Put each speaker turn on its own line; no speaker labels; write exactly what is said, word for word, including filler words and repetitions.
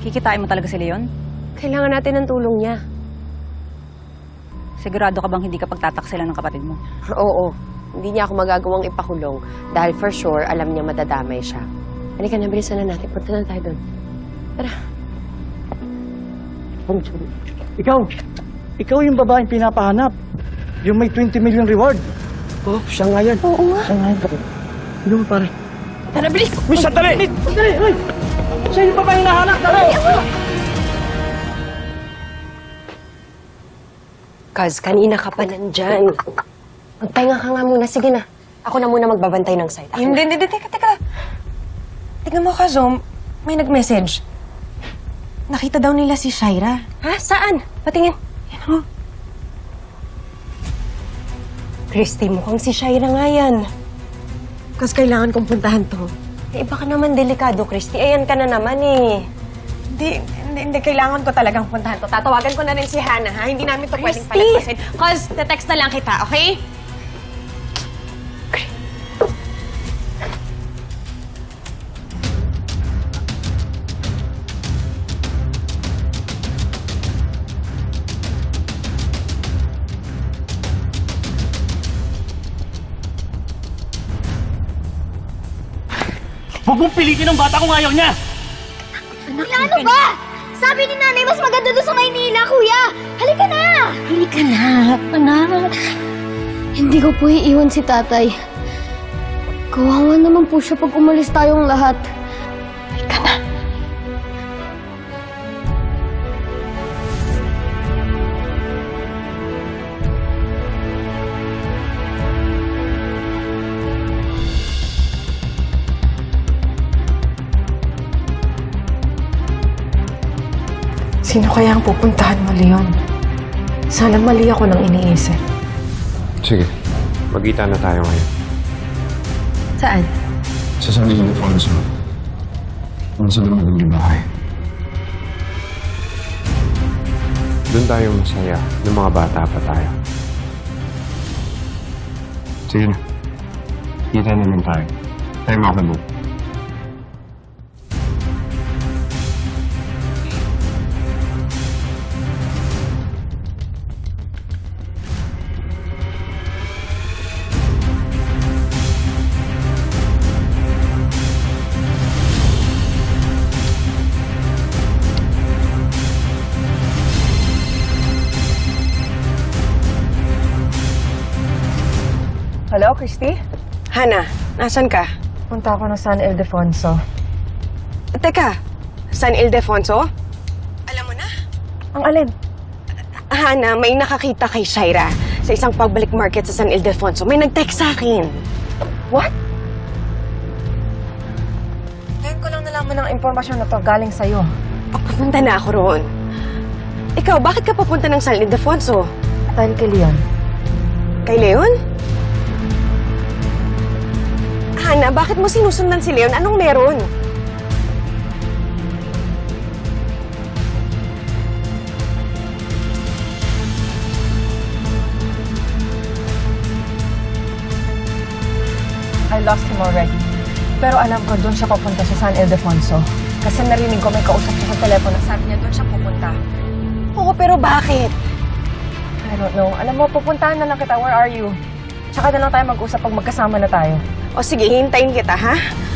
Kikitain mo talaga si Leon?
Kailangan natin ng tulong niya.
Sigurado ka bang hindi ka pagtataksilan ng kapatid mo?
Oo. Hindi niya ako magagawang ipakulong dahil for sure, alam niya madadamay siya. Halika na, bilisan na natin. Punta na tayo doon. Tara.
Ikaw, ikaw yung babaeng pinapahanap. Yung may twenty million reward. Oh, siya nga yan.
Oo nga.
Siya nga yan. Ano mo, pare?
Tara, bilis!
Miss, sandali! Sandali! Ay! Siya yung babaeng nahanap. Tara!
Kaz, kanina ka pa nandyan. Magpahinga ka nga muna. Sige na. Ako na muna magbabantay ng site. Ako
Hindi,
na.
hindi, teka, teka. Tingnan mo ka, Zom. May nag-message. Nakita daw nila si Shaira.
Ha? Saan? Patingin.
Yan ho.
Christy, mukhang si Shaira nga yan.
Kasi kailangan kong puntahan to.
Eh, baka naman delikado, Christy. Ayan ka na naman eh.
Hindi, hindi, hindi. Kailangan ko talagang puntahan to. Tatawagan ko na rin si Hannah, ha? Hindi namin to pwedeng
Christy!
palagpasin. Cause, te-text na lang kita, okay?
Huwag mong pilitin ang bata kung ayaw niya!
Ano ba? Sabi ni nanay, mas maganda doon sa Maynila, kuya! Halika na!
Halika na, anak. Hindi ko po iiwan si tatay. Kawawa naman po siya pag umalis tayong lahat.
Halika na. Sino kaya ang pupuntahan mo, Leon? Sana mali ako nang iniisip.
Sige, magkita na tayo ngayon.
Saan?
Sa San Ildefonso. Nasa loob ng bahay. Doon tayo masaya, ng mga bata pa tayo. Sige na. Kita naman tayo. Tayo makabog.
Hello, Christy?
Hannah, nasan ka?
Punta ako ng San Ildefonso.
Teka, San Ildefonso? Alam mo na?
Ang alin?
Hannah, may nakakita kay Shaira sa isang public market sa San Ildefonso. May nag-text sa akin.
What? Ngayon ko lang nalaman ng impormasyon na to galing sa'yo.
Papunta na ako roon. Ikaw, bakit ka papunta ng San Ildefonso?
Dahil kay Leon.
Kay Leon? Hannah, bakit mo sinusundan si Leon? Anong meron?
I lost him already. Pero alam ko doon siya papunta sa San Ildefonso. Kasi narinig ko may kausap siya sa telepono. Sabi niya doon siya pupunta.
Oo, pero bakit?
I don't know. Alam mo, pupuntahan na lang kita. Where are you? Tsaka na lang tayo mag-usap pag magkasama na tayo.
O sige, hintayin kita, ha?